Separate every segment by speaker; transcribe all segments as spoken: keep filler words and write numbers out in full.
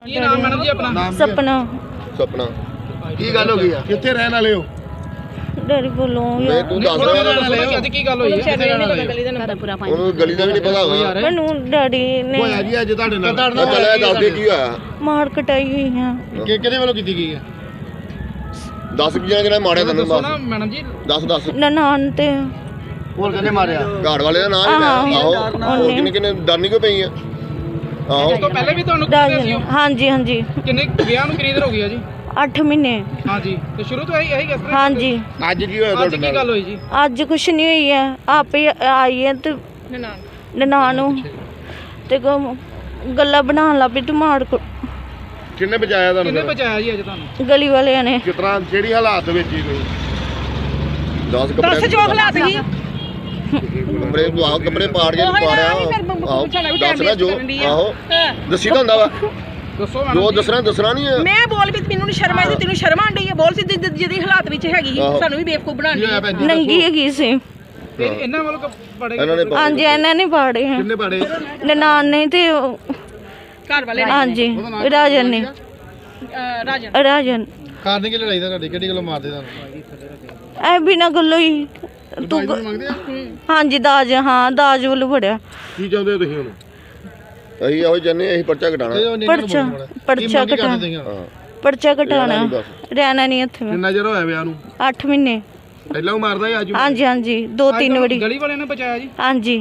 Speaker 1: ਕੀ ਨਾਮ ਮੈਡਮ ਜੀ ਆਪਣਾ?
Speaker 2: सपना
Speaker 3: सपना की गल हो गई है?
Speaker 1: ਕਿੱਥੇ ਰਹਿਣ ਵਾਲੇ ਹੋ?
Speaker 2: डैडी बोलो
Speaker 3: मैं तू दस रहा
Speaker 1: ਅੱਜ ਕੀ ਗੱਲ ਹੋਈ ਹੈ? ਕਿੱਥੇ ਰਹਿਣ ਵਾਲੇ ਹੋ?
Speaker 3: ਉਹਨੂੰ ਗਲੀ ਦਾ ਵੀ ਨਹੀਂ ਪਤਾ ਹੋਗਾ
Speaker 2: मैनू डैडी ने
Speaker 1: ਹੋਇਆ ਜੀ ਅੱਜ ਤੁਹਾਡੇ ਨਾਲ?
Speaker 3: ਚੱਲਿਆ ਦੱਸ ਦੇ ਕੀ ਹੋਇਆ
Speaker 2: मार कटाई हुई है।
Speaker 1: ਕਿ ਕਿਹਦੇ ਵੱਲੋਂ ਕੀਤੀ ਗਈ ਹੈ?
Speaker 3: ਦਸ ਕੀ ਜਣੇ ਮਾਰਿਆ ਤੈਨੂੰ
Speaker 1: ਦੱਸੋ
Speaker 3: ਬਸ
Speaker 1: ਨਾ ਮੈਡਮ ਜੀ।
Speaker 3: ਦੱਸ ਦੱਸ
Speaker 2: ननान ते
Speaker 1: ਹੋਰ ਕਿਹਨੇ ਮਾਰਿਆ?
Speaker 3: ਘਾੜ ਵਾਲੇ ਦਾ ਨਾਮ ਹੀ ਲੈ ਆਹੋ ਹੋਰ ਕਿੰਨੇ ਕਿੰਨੇ ਡਰਨੀ ਕਿਉਂ ਪਈ ਆ ਆਹੋ
Speaker 1: ਉਸ ਤੋਂ ਪਹਿਲੇ ਵੀ ਤੁਹਾਨੂੰ ਕਿਹਾ ਸੀ?
Speaker 2: हाँ जी हाँ जी
Speaker 1: ਕਿੰਨੇ ਵਿਆਹ ਨੂੰ ਕਿੰਨੀ ਦੇਰ ਹੋ ਗਈ ਹੈ ਜੀ?
Speaker 2: अठ महीने
Speaker 1: ਹਾਂਜੀ ਤੇ ਸ਼ੁਰੂ ਤੋਂ ਇਹੀ ਇਹੀ ਕਿਸ ਤਰ੍ਹਾਂ?
Speaker 2: हाँ जी
Speaker 3: ਅੱਜ ਕੀ ਹੋਇਆ
Speaker 1: ਅੱਜ
Speaker 3: ਤੁਹਾਡੇ
Speaker 1: ਕੀ
Speaker 3: ਨਾਲ
Speaker 1: ਗੱਲ ਹੋਈ ਜੀ?
Speaker 2: अज कुछ नहीं हुई है आप ही आई है तो ननान ते गल्ला बनाने लग पई टमाड़ को
Speaker 3: ਕਿੰਨੇ ਬਚਾਇਆ
Speaker 1: ਕਿੰਨੇ
Speaker 3: ਤੁਹਾਨੂੰ
Speaker 1: ਬਚਾਇਆ ਜੀ ਅੱਜ ਤੁਹਾਨੂੰ?
Speaker 2: गली वाले ने
Speaker 3: ਕਿਸ ਤਰ੍ਹਾਂ ਜਿਹੜੀ ਹਾਲਾਤ ਵਿੱਚ ਹੀ ਕੋਈ ਦਸ ਕੱਪੜੇ
Speaker 2: दस जो हालात ही
Speaker 3: ਕੱਪੜੇ ਆਹੋ ਕੱਪੜੇ ਪਾੜ ਕੇ ਪਾੜਿਆ ਆਹੋ ਦੱਸ ਨਾ ਜੋ ਆਹੋ ਦੱਸੀ ਤਾਂ ਹੁੰਦਾ ਵਾ
Speaker 1: ਦੱਸੋ
Speaker 3: ਜੋ
Speaker 1: ਮੈਡਮ ਜੀ।
Speaker 3: ਦੱਸਣਾ ਦੱਸਣਾ ਨਹੀਂ ਹੈ
Speaker 4: ਮੈਂ ਬੋਲ ਵੀ ਮੈਨੂੰ ਨਹੀਂ ਸ਼ਰਮ ਆਈ ਤੈਨੂੰ ਸ਼ਰਮ ਆਂਦੀ ਹੈ ਬੋਲ ਸੀ ਜਿਹਦੀ ਹਾਲਾਤ ਵਿੱਚ ਹੈਗੀ ਸੀ, ਸਾਨੂੰ ਵੀ ਬੇਵਕੂਫ ਬਣਾਉਣੀ ਹੈ।
Speaker 2: नंगी हैगी सी
Speaker 1: ਤੇ ਇਹਨਾਂ ਵੱਲੋਂ ਪੜੇ
Speaker 3: ਇਹਨਾਂ ਨੇ
Speaker 2: हाँ जी इन्हें नहीं पाड़े हैं
Speaker 1: ਕਿੰਨੇ ਪੜੇ?
Speaker 2: ननान ने ते
Speaker 4: ਘਰ ਵਾਲੇ
Speaker 2: हाँ जी राजन ने
Speaker 4: ਅਹ, ਰਾਜਨ
Speaker 2: राजन
Speaker 1: ਕਾਰਨ ਕੀ ਲੜਾਈ ਦਾ ਤੁਹਾਡੀ ਕਿਹੜੀ ਗੱਲੋਂ ਮਾਰਦੇ ਤੁਹਾਨੂੰ?
Speaker 2: ऐ बिना गल्लो ही तू
Speaker 1: ਮੰਗਦੇ ਆ?
Speaker 2: हाँ जी दाज हाँ दाज वालू बड़िया
Speaker 3: ਕੀ ਚਾਹੁੰਦੇ ਹੋ ਤੁਸੀਂ ਹੁਣ ਅਸੀਂ ਇਹੋ ਜੰਨੇ ਅਸੀਂ ਪਰਚਾ ਘਟਾਣਾ
Speaker 2: पर्चा पर्चा कटा
Speaker 3: ਹਾਂ
Speaker 2: पर्चा कटाना रहना नहीं इत्थे में
Speaker 1: ਕਿੰਨਾ ਚਿਰ ਹੋਇਆ ਵਿਆਹ ਨੂੰ?
Speaker 2: अठ महीने
Speaker 1: ਪਹਿਲਾਂ ਉਹ ਮਾਰਦਾ ਸੀ ਅੱਜ
Speaker 2: हाँ जी हाँ जी दो तीन बड़ी
Speaker 1: ਗਲੀ ਵਾਲਿਆਂ ਨੇ ਬਚਾਇਆ ਜੀ?
Speaker 2: हाँ जी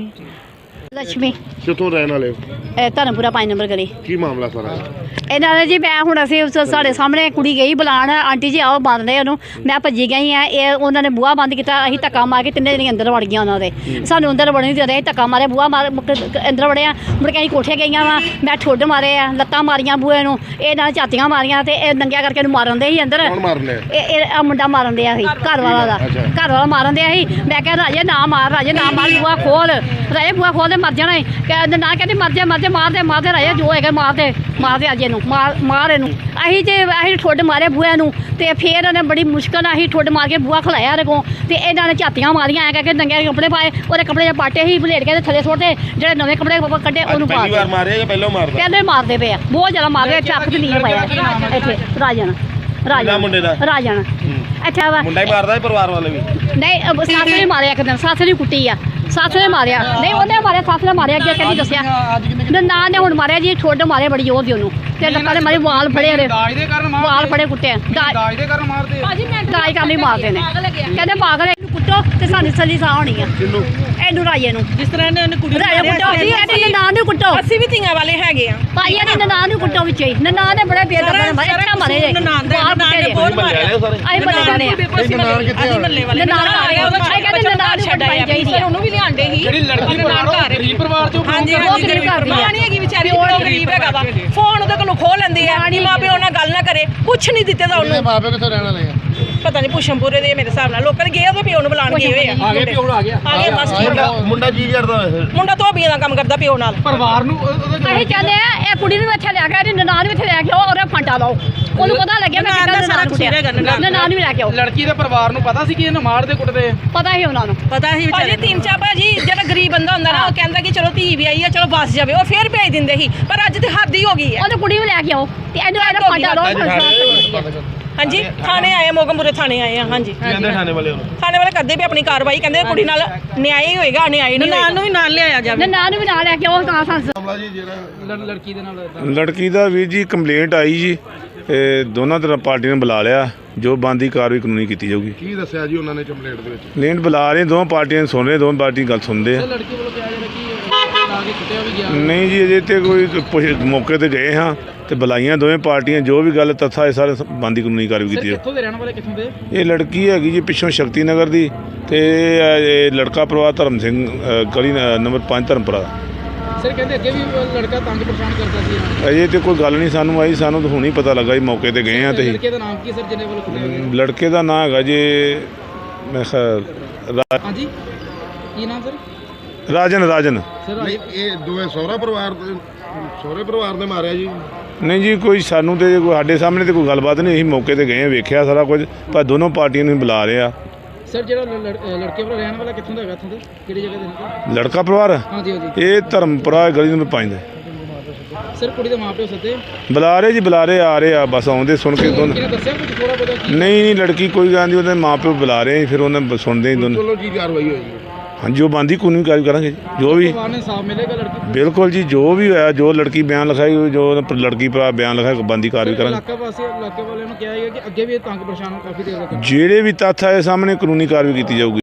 Speaker 5: ਲక్ష్ਮੀ
Speaker 3: ਕਿੱਥੋਂ ਰਹਿਣ ਵਾਲੇ ਹੋ?
Speaker 5: ਇਹ ਧਰਮਪੁਰਾ ਪੰਜ ਨੰਬਰ ਗਲੀ
Speaker 3: ਕੀ ਮਾਮਲਾ ਸਾਰਾ
Speaker 5: ਇਹਨਾਂ ਨੇ ਜੀ ਮੈਂ ਹੁਣ ਅਸੀਂ ਉਸ ਸਾਡੇ ਸਾਹਮਣੇ ਕੁੜੀ ਗਈ ਬੁਲਾਉਣ ਆਂਟੀ ਜੀ ਆਓ ਬੰਦ ਰਹੇ ਉਹਨੂੰ ਮੈਂ ਭੱਜੀ ਗਈ ਆ ਇਹ ਉਹਨਾਂ ਨੇ ਬੂਹਾ ਬੰਦ ਕੀਤਾ ਅਸੀਂ ਧੱਕਾ ਮਾਰ ਕੇ ਤਿੰਨੇ ਜਣੇ ਅੰਦਰ ਵੜ ਗਈਆਂ ਉਹਨਾਂ ਦੇ ਸਾਨੂੰ ਅੰਦਰ ਵੜਨ ਨਹੀਂ ਦੇ ਰਹੇ ਧੱਕਾ ਮਾਰੇ ਬੂਹਾ ਮਾਰ ਮੁੜ ਕੇ ਅੰਦਰ ਵੜਿਆ ਮੁੜ ਕੇ ਅਸੀਂ ਕੋਠੇ ਗਈਆਂ ਵਾ ਮੈਂ ਠੁੱਡ ਮਾਰੇ ਆ ਲੱਤਾਂ ਮਾਰੀਆਂ ਬੂਹੇ ਨੂੰ ਇਹ ਨਾਲ ਝਾਤੀਆਂ ਮਾਰੀਆਂ ਤੇ ਇਹ ਨੰਗਿਆ ਕਰਕੇ ਇਹਨੂੰ ਮਾਰਨ ਦੇ ਸੀ ਅੰਦਰ
Speaker 3: ਕੌਣ ਮਾਰਨੇ
Speaker 5: ਇਹ ਇਹ ਆਹ ਮੁੰਡਾ ਮਾਰਨ ਦਿਆ ਸੀ ਘਰ ਵਾਲਾ ਦਾ ਘਰ ਵਾਲਾ ਮਾਰਨ ਦਿਆ ਸੀ ਮੈਂ ਕਿਹਾ ਰਾਜੇ ਨਾ ਮਾਰ ਰਾਜੇ ਨਾ ਮਾਰ ਬੂਹਾ ਖੋਲ ਰਾਜੇ ਬੂਹਾ ਖੋਲ ਦੇ ਮਰ ਜਾਣਾ ਏ। ਕਹਿੰਦੇ ਨਾ ਕਹਿੰਦੇ ਮਰ ਜਾ ਮਰ ਜਾ ਮਾਰ ਦੇ ਮਾਰ ਦੇ ਰਾਜੇ ਜੋ ਹੈਗਾ ਮਾਰ ਦੇ ਮਾਰ ਦੇ ਅੱਜ ਇਹਨੂੰ ਮਾਰ ਮਾਰ ਇਹਨੂੰ ਅਸੀਂ ਤੇ ਅਸੀਂ ਠੁੱਡ ਮਾਰੇ ਬੂਹੇ ਨੂੰ ਤੇ ਫਿਰ ਉਹਨੇ ਬੜੀ ਮੁਸ਼ਕਲ ਨਾਲ ਅਸੀਂ ਠੁੱਡ ਮਾਰ ਕੇ ਬੂਹਾ ਖਲਾਇਆ ਇਹਦੇ ਕੋਲ ਤੇ ਇਹਨਾਂ ਨੇ ਝਾਤੀਆਂ ਮਾਰੀਆਂ ਐ ਕਰਕੇ ਨੰਗੇ ਕੱਪੜੇ ਪਾਏ ਉਹਦੇ ਕੱਪੜੇ ਜੇ ਪਾਟੇ ਸੀ ਭਲੇਟ ਕੇ ਥੱਲੇ ਸੁੱਟਦੇ ਜਿਹੜੇ ਨਵੇਂ ਕੱਪੜੇ ਕੱਢੇ ਉਹਨੂੰ ਪਾ
Speaker 3: ਪਹਿਲੀ ਵਾਰ ਮਾਰਿਆ ਜਾਂ ਪਹਿਲਾਂ ਮਾਰਦਾ
Speaker 5: ਕਹਿੰਦੇ ਮਾਰਦੇ ਪਏ ਆ ਬਹੁਤ ਜ਼ਿਆਦਾ ਮਾਰਦੇ ਆ ਚੱਕ ਤੇ ਨਹੀਂ ਪਾਇਆ ਇੱਥੇ ਰਾਜਨ ਰਾਜਨ
Speaker 3: ਮੁੰਡੇ ਦਾ
Speaker 5: ਰਾਜਨ ਅੱਛਾ ਵਾ
Speaker 3: ਮੁੰਡਾ ਹੀ ਮਾਰਦਾ ਹੈ ਪਰਿਵਾਰ ਵਾਲੇ ਵੀ
Speaker 5: ਨਹੀਂ ਅਹ ਸੱਸ ਨੇ ਮਾਰਿਆ ਇੱਕ ਦਿਨ ਸੱਸ ਨੇ ਕੁੱਟੀ ਆ ਸੱਸ ਨੇ ਮਾਰਿਆ ਨਹੀਂ ਉਹਨੇ ਮਾਰਿਆ ਸੱਸ ਨੇ ਮਾਰਿਆ ਅੱਗੇ ਕਹਿੰਦੀ ਦੱਸਿਆ ਨਾ ਨੇ ਹੁਣ ਮਾਰਿਆ ਜੀ ਠੋਡ ਮਾਰਿਆ ਬੜੀ ਜ਼ੋਰ ਦੀ ਉਹਨੂੰ ਤੇ ਲੱਤਾਂ ਦੇ ਮਾਰੇ ਵਾਲ ਫੜੇ ਉਹਦੇ
Speaker 1: ਦਾਜ ਦੇ ਕਾਰਨ ਮਾਰਦੇ?
Speaker 5: ਵਾਲ ਫੜੇ ਕੁੱਟੇ ਦਾਜ
Speaker 1: ਦਾਜ ਦੇ ਕਾਰਨ ਮਾਰਦੇ ਆ?
Speaker 5: ਦਾਜ ਕਰਨ ਲਈ ਮਾਰਦੇ ਨੇ ਕਹਿੰਦੇ ਪਾਗਲ ਹੈ, ਇਹਨੂੰ ਕੁੱਟੋ ਤੇ ਸਾਨੂੰ ਸੱਲੀ ਸਾਹ ਹੋਣੀ ਆ
Speaker 3: ਕਿੰਨੂੰ
Speaker 5: ਇਹਨੂੰ ਰਾਜੇ ਨੂੰ
Speaker 4: ਜਿਸ ਤਰ੍ਹਾਂ ਇਹਨੇ ਉਹਨੇ ਕੁੜੀ ਨੂੰ
Speaker 5: ਰਾਜੇ ਕੁੱਟੋ ਜੀ ਇਹਨੇ ਨਾਂ ਨੂੰ ਕੁੱਟੋ
Speaker 4: ਅਸੀਂ ਵੀ ਧੀਆਂ ਵਾਲੇ ਹੈਗੇ ਆ
Speaker 5: ਭਾਈ ਇਹਨੇ ਨਾਂ ਨੂੰ ਕੁੱਟੋ ਵਿੱਚ ਹੀ ਨਾਂ ਨੇ ਬੜੇ ਬੇਦਰਦ ਮਾਰੇ ਅੱਛਾ ਮਾਰੇ ਜੇ
Speaker 4: ਨਨਾਣ ਦਾ
Speaker 5: ਵਾਲ
Speaker 4: ਨਨਾਣ
Speaker 5: ਫੁੱਟੇ
Speaker 4: ਨੇ
Speaker 5: ਜੇ
Speaker 4: ਬਹੁਤ ਮਾਰਿਆ
Speaker 5: ਆਈ ਬੱਲੇ ਵਾਲੇ ਆ
Speaker 3: ਨਨਾਣ ਕਿੱਥੇ ਆ?
Speaker 4: ਮੱਲੇ ਵਾਲੇ
Speaker 5: ਨਨਾਣ ਘਰ ਆ, ਉਹਦਾ
Speaker 4: ਛੱਡ
Speaker 5: ਕਹਿੰਦੇ ਨਨਾਣ ਨੂੰ
Speaker 4: ਛੱਡ ਆਇਆ
Speaker 5: ਚਾਹੀਦੀ ਆ।
Speaker 4: ਉਹਨੂੰ ਵੀ ਲਿਆਂਦੇ ਸੀ
Speaker 1: ਜਿਹੜੀ ਲੜਕੀ ਪਰਿਵਾਰ ਗਰੀਬ ਪਰਿਵਾਰ ਚੋਂ
Speaker 4: ਹਾਂਜੀ
Speaker 5: ਉਹ
Speaker 4: ਹਾਂਜੀ
Speaker 5: ਗਰੀਬ ਘਰ ਦੀ ਆ।
Speaker 4: ਮਾਂ ਨਹੀਂ ਹੈਗੀ ਵਿਚਾਰੀ ਉਹ ਗਰੀਬ ਹੈਗਾ ਵਾ ਫੋਨ ਉਹਦੇ ਕੋਲੋਂ ਖੋਹ ਲੈਂਦੇ ਆ ਕਿ ਮਾਂ ਪਿਓ ਨਾਲ ਗੱਲ ਨਾ ਕਰੇ ਕੁਛ ਨਹੀਂ ਦਿੱਤੇ ਤਾਂ ਉਹਨੂੰ
Speaker 1: ਮਾਪੇ ਕਿੱਥੋਂ ਰਹਿਣ ਵਾਲੇ ਆ?
Speaker 4: ਪਤਾ ਨਹੀਂ ਪੁਸ਼ਮਪੁਰੇ ਦੇ ਮੇਰੇ ਹਿਸਾਬ ਨਾਲ ਲੋਕਾਂ ਨੇ ਗਏ ਉਹਦੇ ਪਿਓ ਨੂੰ ਬੁਲਾਉਣ ਗਏ ਹੋਏ ਆ
Speaker 1: ਆ ਗਏ ਪਿਓ ਆ ਗਿਆ
Speaker 4: ਆ ਗਏ ਬਸ ਠੀਕ
Speaker 3: ਮੁੰਡਾ
Speaker 4: ਆ।
Speaker 3: ਮੁੰਡਾ ਕੀ ਕਰਦਾ ਵੈਸੇ
Speaker 4: ਮੁੰਡਾ ਧੋਬੀਆਂ ਦਾ ਕੰਮ ਕਰਦਾ ਪਿਓ ਨਾਲ
Speaker 1: ਪਰਿਵਾਰ ਨੂੰ ਉਹਦੇ
Speaker 5: ਅਸੀਂ ਚਾਹੁੰਦੇ ਆ ਇਹ ਕੁੜੀ ਨੂੰ ਇੱਥੇ ਲੈ ਕੇ ਆਓ, ਇਹਦੀ ਨਨਾਣ ਵੀ ਇੱਥੇ ਲੈ ਕੇ ਆਓ ਔਰ ਇਹ ਫਾਂਟਾ ਲਾਓ ਉਹਨੂੰ ਪਤਾ ਲੱਗਿਆ ਮੈਂ ਕਿੱਦਾਂ ਨਨਾਣ ਕੁੱਟਿਆ ਨਨਾਣ ਵੀ ਲੈ ਕੇ ਆਓ
Speaker 1: ਲੜਕੀ ਦੇ ਪਰਿਵਾਰ ਨੂੰ ਪਤਾ ਸੀ ਕਿ ਇਹਨੂੰ ਮਾਰਦੇ ਕੁੱਟਦੇ ਆ?
Speaker 5: ਪਤਾ ਹੀ ਉਹਨਾਂ ਨੂੰ
Speaker 4: ਪਤਾ ਹੀ ਵਿਚਾਰੇ ਤਿੰਨ ਚਾ ਭਾਜੀ ਜਿਹੜਾ ਗਰੀਬ ਬੰਦਾ ਹੁੰਦਾ ਨਾ ਉਹ ਕਹਿੰਦਾ ਕਿ ਚਲੋ ਧੀ ਵੀ ਆਈ ਆ ਚਲੋ ਬਸ ਜਾਵੇ ਉਹ ਫੇਰ ਭੇਜ ਦਿੰਦੇ ਸੀ ਪਰ ਅੱਜ ਤੇ ਹੱਦ ਹੀ ਹੋ ਗਈ ਹੈ
Speaker 5: ਉਹਨੂੰ ਕੁੜੀ ਵੀ ਲੈ ਕੇ ਆਓ ਤੇ ਇਹਨੂੰ ਇਹਦਾ ਫਾਂਟਾ ਲਾਓ
Speaker 4: ਹਾਂਜੀ ਥਾਣੇ ਆਏ ਮੋਗਮਪੁਰੇ ਥਾਣੇ ਆਏ ਆ ਹਾਂਜੀ
Speaker 3: ਕਹਿੰਦੇ ਥਾਣੇ ਵਾਲੇ ਉਹਨੂੰ
Speaker 4: ਥਾਣੇ ਵਾਲੇ ਕਰਦੇ ਵੀ ਆਪਣੀ ਕਾਰਵਾਈ ਕਹਿੰਦੇ ਕੁੜੀ ਨਾਲ ਨਿਆਂ ਹੀ ਹੋਏਗਾ ਨਿਆਂ ਨਹੀਂ ਹੋਏਗਾ ਨੂੰ ਵੀ ਨਾਲ ਲਿਆਇਆ ਜਾਵੇ
Speaker 5: ਨਨਾਣ ਨੂੰ ਵੀ ਨਾਲ ਲੈ ਕੇ ਆਓ ਤਾਂ ਸੰਸ
Speaker 3: ਮਾਮਲਾ ਜੀ ਜਿਹੜਾ
Speaker 1: ਲੜ- ਲੜਕੀ ਦੇ ਨਾਲ ਏਦਾਂ।
Speaker 6: ਲੜਕੀ ਦਾ ਵੀਰ ਜੀ ਕੰਪਲੇਂਟ ਆਈ ਜੀ ਤੇ ਦੋਨਾਂ ਤਰ੍ਹਾਂ ਪਾਰਟੀਆਂ ਨੇ ਬੁਲਾ ਲਿਆ ਜੋ ਬਣਦੀ ਕਾਰਵਾਈ ਕਾਨੂੰਨੀ ਕੀਤੀ ਜਾਊਗੀ
Speaker 3: ਕੀ ਦੱਸਿਆ ਜੀ ਉਹਨਾਂ ਨੇ ਕੰਪਲੇਂਟ ਦੇ ਵਿੱਚ
Speaker 6: ਕੰਪਲੇਂਟ ਬੁਲਾ ਰਹੇ ਦੋਵਾਂ ਪਾਰਟੀਆਂ ਨੂੰ ਸੁਣ ਰਹੇ ਦੋਵਾਂ ਪਾਰਟੀ ਗੱਲ ਸੁਣਦੇ ਆ
Speaker 1: ਤੇ ਲੜਕੀ ਵੱਲੋਂ ਕਿਹਾ ਜਾ ਰਿਹਾ ਕਿ ਲਾ ਕੇ ਕੁੱਟਿਆ ਵੀ ਗਿਆ।
Speaker 6: ਨਹੀਂ ਜੀ ਅਜੇ ਤੇ ਕੋਈ ਪੁੱਛ- ਮੌਕੇ ਤੇ ਗਏ ਹਾਂ ਤੇ ਬੁਲਾਈਆਂ ਦੋਵੇਂ ਪਾਰਟੀਆਂ ਜੋ ਵੀ ਗੱਲ ਤੱਥਾ ਇਹ ਸਾਰੇ ਬਣਦੀ ਕਾਨੂੰਨੀ ਕਾਰਵਾਈ
Speaker 1: ਸਰ
Speaker 6: ਕੀਤੀ ਜਾਊ।
Speaker 1: ਕਿੱਥੋਂ ਦੇ ਰਹਿਣ ਵਾਲੇ ਕਿੱਥੋਂ ਦੇ?
Speaker 6: ਇਹ ਲੜਕੀ ਹੈਗੀ ਜੀ ਪਿੱਛੋਂ ਸ਼ਕਤੀ ਨਗਰ ਦੀ ਤੇ ਇਹ ਲੜਕਾ ਪਰਿਵਾਰ ਧਰਮ ਸਿੰਘ ਅ, ਗਲੀ ਨ- ਨੰਬਰ ਪੰਜ ਧਰਮਪੁਰਾ।
Speaker 1: ਸਰ ਕਹਿੰਦੇ ਅੱਗੇ ਵੀ ਉਹ ਲੜਕਾ ਤੰਗ ਪਰੇਸ਼ਾਨ ਕਰਦਾ ਸੀ ਇਹਨਾਂ ਨੂੰ।
Speaker 6: ਅਜੇ ਤੇ ਕੋਈ ਗੱਲ ਨਹੀਂ ਸਾਨੂੰ ਆਈ ਸਾਨੂੰ ਤਾਂ ਹੁਣੀ ਪਤਾ ਲੱਗਾ ਜੀ ਮੌਕੇ ਤੇ ਗਏ ਹਾਂ ਤੇ
Speaker 1: ਲੜਕੇ ਦਾ ਨਾਮ ਕੀ ਸਰ ਜਿਹਨੇ ਵੱਲੋਂ ਕੁੱਟਿਆ ਗਿਆ?
Speaker 6: ਲੜਕੇ ਦਾ ਨਾਂ ਹੈਗਾ ਜੀ ਮੈਂ ਖਿਆਲ ਰਾ-
Speaker 1: ਹਾਂਜੀ ਕੀ ਨਾਮ ਸਰ?
Speaker 6: ਰਾਜਨ ਰਾਜਨ
Speaker 1: ਸਰ
Speaker 3: ਨਹੀਂ ਇਹ ਦੋਵੇਂ ਸਹੁਰਾ ਪਰਿਵਾਰ ਦੇ ਸਹੁਰੇ ਪਰਿਵਾਰ ਨੇ ਮਾਰਿਆ ਜੀ
Speaker 6: ਨਹੀਂ ਜੀ ਕੋਈ ਸਾਨੂੰ ਤੇ ਕੋਈ ਸਾਡੇ ਸਾਹਮਣੇ ਤੇ ਕੋਈ ਗੱਲਬਾਤ ਨਹੀਂ ਅਸੀਂ ਮੌਕੇ ਤੇ ਗਏ ਹਾਂ ਵੇਖਿਆ ਸਾਰਾ ਕੁਝ ਪਰ ਦੋਨੋਂ ਪਾਰਟੀਆਂ ਨੂੰ ਬੁਲਾ ਰਹੇ ਆ
Speaker 1: ਸਰ ਜਿਹੜਾ ਲੜ- ਲੜ- ਲੜਕੇ ਵੱਲੋਂ ਰਹਿਣ ਵਾਲਾ ਕਿੱਥੋਂ ਦਾ ਹੈਗਾ ਇੱਥੋਂ ਦੇ ਕਿਹੜੀ ਜਗ੍ਹਾ ਦੇ ਨੇ?
Speaker 6: ਲੜਕਾ ਪਰਿਵਾਰ
Speaker 1: ਹਾਂਜੀ ਹਾਂਜੀ
Speaker 6: ਇਹ ਧਰਮਪੁਰਾ ਗਲੀ ਨੰਬਰ ਪੰਜ ਦਾ
Speaker 7: ਸਰ ਕੁੜੀ ਦੇ ਮਾਪਿਓ ਸੱਦੇ
Speaker 6: ਬੁਲਾ ਰਹੇ ਜੀ ਬੁਲਾ ਰਹੇ ਆ ਰਹੇ ਆ ਬਸ ਆਉਂਦੇ ਸੁਣ ਕੇ ਦੋਨ
Speaker 7: ਕਿਹਨੇ ਦੱਸਿਆ ਕੁਝ ਥੋੜਾ ਬਹੁਤਾ ਕੀ
Speaker 6: ਨਹੀਂ ਨਹੀਂ ਲੜਕੀ ਕੋਈ ਗੱਲ ਨਹੀਂ ਉਹਦੇ ਮਾਂ ਪਿਓ ਬੁਲਾ ਰਹੇ ਫਿਰ ਉਹਨੇ ਸੁਣਦੇ ਹੀ ਦੋਨ
Speaker 1: ਚਲੋ ਕੀ ਕਾਰਵਾਈ ਹੋਈ
Speaker 6: ਹਾਂਜੀ ਉਹ ਬੰਦੀ ਕਾਨੂੰਨੀ ਕਾਰਵਾਈ ਕਰਾਂਗੇ ਜੀ ਜੋ ਵੀ
Speaker 7: ਪਰਿਵਾਰ ਨੇ ਇਨਸਾਫ ਮਿਲੇਗਾ ਲੜਕੀ
Speaker 6: ਬਿਲਕੁਲ ਜੀ ਜੋ ਵੀ ਹੋਇਆ ਜੋ ਲੜਕੀ ਬਿਆਨ ਲਿਖਾਈ ਜੋ ਲੜਕੀ ਭਰਾ ਬਿਆਨ ਲਿਖਾਇਆ ਬੰਦੀ ਕਾਰਵਾਈ ਕਰਾਂਗੇ
Speaker 7: ਇਲਾਕਾ ਵਾਸੀ ਇਲਾਕੇ ਵਾਲਿਆਂ ਨੂੰ ਕਿਹਾ ਹੈ ਕਿ ਅੱਗੇ ਵੀ ਇਹ ਤੰਗ ਪਰੇਸ਼ਾਨ ਕਾਫੀ ਦੇਰ ਤੱਕ
Speaker 6: ਜਿਹੜੇ ਵੀ ਤੱਥ ਆਏ ਸਾਹਮਣੇ ਕਾਨੂੰਨੀ ਕਾਰਵਾਈ ਕੀਤੀ ਜਾਊਗੀ।